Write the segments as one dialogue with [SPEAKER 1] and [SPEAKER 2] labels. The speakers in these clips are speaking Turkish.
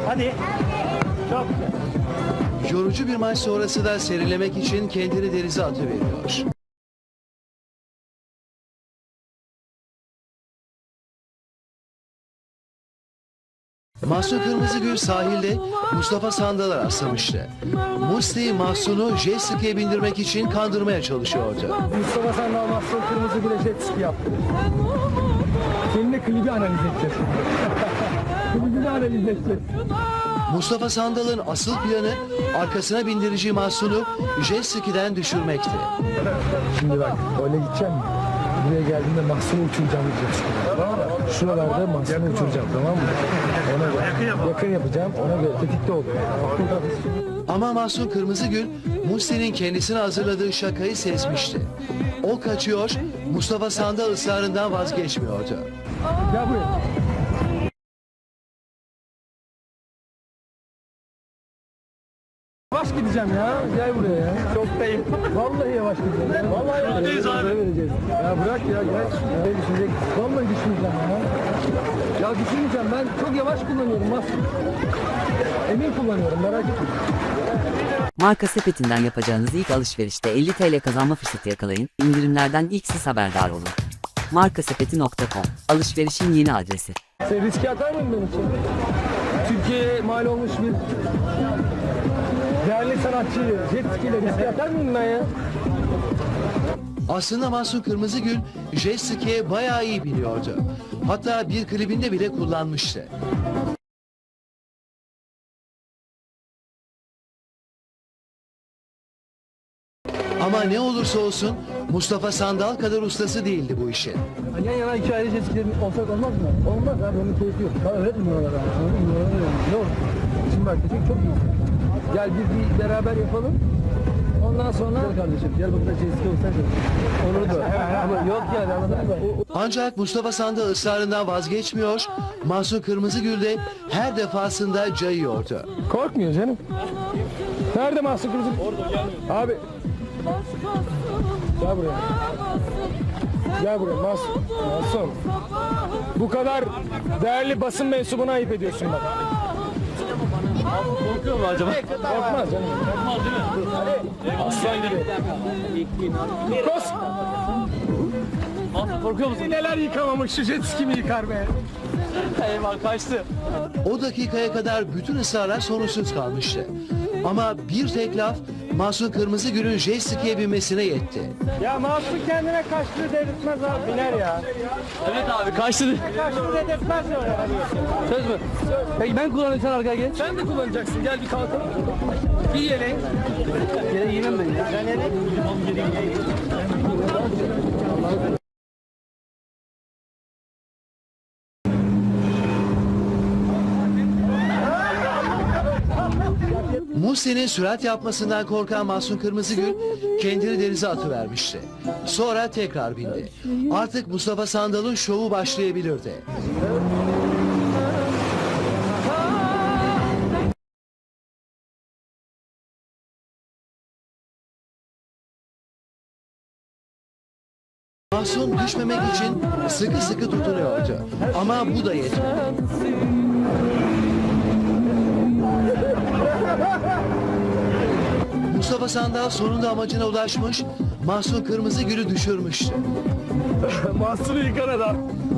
[SPEAKER 1] Hadi. Çok güzel.
[SPEAKER 2] Yorucu bir maç sonrası da serinlemek için kendini denize atıveriyor. Mahsun Kırmızıgül sahilde Mustafa Sandal'a rastlamıştı. Musti Mahsun'u jet ski'ye bindirmek için kandırmaya çalışıyordu.
[SPEAKER 3] Mustafa Sandal Mahsun Kırmızıgül'e jet ski yaptı. Seninle klibi analiz edeceğiz. Klibini analiz edeceğiz.
[SPEAKER 2] Mustafa Sandal'ın asıl planı arkasına bindirici Mahsun'u jet ski'den düşürmekti.
[SPEAKER 3] Şimdi bak öyle gideceğim. Buraya geldiğimde Mahsun'u uçuracağım diyeceksin. Şuralarda Mahsun'u uçuracağım, tamam mı? Ona göre yakın yapacağım, ona göre tetikte oluyor.
[SPEAKER 2] Ama Mahsun Kırmızıgül Musti'nin kendisine hazırladığı şakayı sezmişti. O kaçıyor, Mustafa Sandal ısrarından vazgeçmiyordu.
[SPEAKER 3] Gel buraya. Yavaş gideceğim ya. Gel buraya ya. Çoktayım. Vallahi yavaş gideceğim. Ya. Vallahi yavaş gideceğiz. Ya bırak ya gel. Ya düşünecek. Vallahi düşmeyeceğim ya. Ya düşmeyeceğim, ben çok yavaş kullanıyorum bak. Emin kullanıyorum, merak etme.
[SPEAKER 4] Marka sepetinden yapacağınız ilk alışverişte 50 TL kazanma fırsatı yakalayın. İndirimlerden ilk siz haberdar olun. Markasepeti.com alışverişin yeni adresi.
[SPEAKER 3] Sen riske atar mısın benim için? Türkiye'ye mal olmuş bir değerli sanatçıyı jet ski ile riske atar mıyım ben ya?
[SPEAKER 2] Aslında Mahsun Kırmızıgül jet ski'ye bayağı iyi biliyordu. Hatta bir klibinde bile kullanmıştı. Ama ne olursa olsun Mustafa Sandal kadar ustası değildi bu işin.
[SPEAKER 3] Yan yana iki ayrı jet skilerin olsak olmaz mı? Olmaz abi, onun keyfi yok. Bana öğretmiyor oralara. Ne olur? Şimdi bak dedik çok iyi. Gel bir beraber yapalım. Ondan sonra gel kardeşim, gel bakın jet ski olsak olur da. Ama yok yani, anladın mı?
[SPEAKER 2] Ancak Mustafa Sandal ısrarından vazgeçmiyor, Mahsun Kırmızıgül de her defasında cayıyordu.
[SPEAKER 3] Korkmuyor canım. Nerede Mahsun Kırmızıgül? Orada gelmiyor. Abi. Gel buraya. Gel buraya Mahsun. Mahsun. Bu kadar değerli basın mensubuna ayıp ediyorsun bak.
[SPEAKER 1] Korkuyor mu acaba?
[SPEAKER 3] Korkmaz canım.
[SPEAKER 1] Korkmaz değil mi?
[SPEAKER 3] Aslan gibi. Nikos.
[SPEAKER 1] Korkuyor musun?
[SPEAKER 3] Neler yıkamamış, şu jet ski mi yıkar be?
[SPEAKER 1] Eyvah kaçtı.
[SPEAKER 2] O dakikaya kadar bütün ısrarlar sonuçsuz kalmıştı. Ama bir tek laf Mahsun Kırmızıgül'ün jet ski'ye binmesine yetti.
[SPEAKER 3] Ya Mahsun kendine kaçtı dedirtmez abi. Biner ya.
[SPEAKER 1] Evet abi kaçtı.
[SPEAKER 3] Kaçtı dedirtmez ya.
[SPEAKER 1] Söz mü? Peki ben kullanayım, sen arkaya geç.
[SPEAKER 3] Sen de kullanacaksın. Gel bir kalkalım. Giy yeleği.
[SPEAKER 1] Yere giyemem ben ya.
[SPEAKER 3] Sen yeleği.
[SPEAKER 2] Musti'nin sürat yapmasından korkan Mahsun Kırmızıgül kendini denize atıvermişti. Sonra tekrar bindi. Artık Mustafa Sandal'ın şovu başlayabilirdi. Mahsun düşmemek için sıkı sıkı tutunuyordu. Ama bu da yetmedi. Mustafa Sandal sonunda amacına ulaşmış, Mahsun Kırmızıgül'ü düşürmüştü.
[SPEAKER 3] Mahsun'u yıkan adam.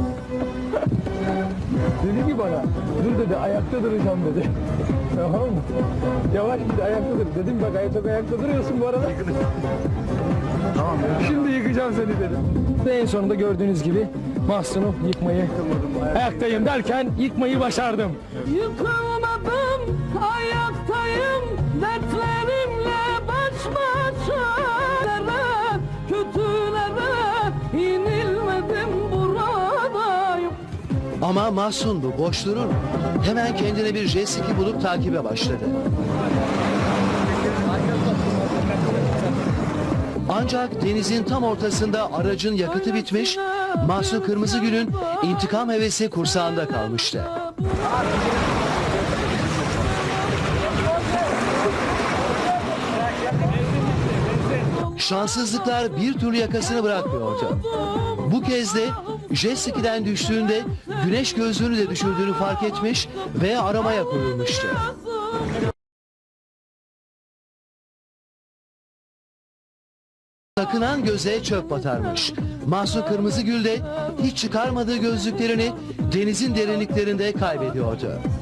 [SPEAKER 3] Dedi ki bana, dur dedi, ayakta duracağım dedi. Tamam mı? Yavaş git, ayakta dur. Dedim bak, çok ayakta duruyorsun bu arada. Tamam. Şimdi yıkacağım seni dedim. Ve en sonunda gördüğünüz gibi Mahsun'u yıkmayı, ayaktayım derken yıkmayı başardım.
[SPEAKER 5] Yıkılmadım, ayaktayım, dertlerimle baş başa. Kötülere inilmedim, buradayım.
[SPEAKER 2] Ama Mahsun bu boş durur mu? Hemen kendine bir jet ski bulup takibe başladı. Ancak denizin tam ortasında aracın yakıtı bitmiş, Mahsun Kırmızıgül'ün intikam hevesi kursağında kalmıştı. Şanssızlıklar bir türlü yakasını bırakmıyordu. Bu kez de jet ski'den düştüğünde güneş gözlüğünü de düşürdüğünü fark etmiş ve aramaya koyulmuştu. Takınan göze çöp batarmış. Mahsun Kırmızıgül de hiç çıkarmadığı gözlüklerini denizin derinliklerinde kaybediyordu.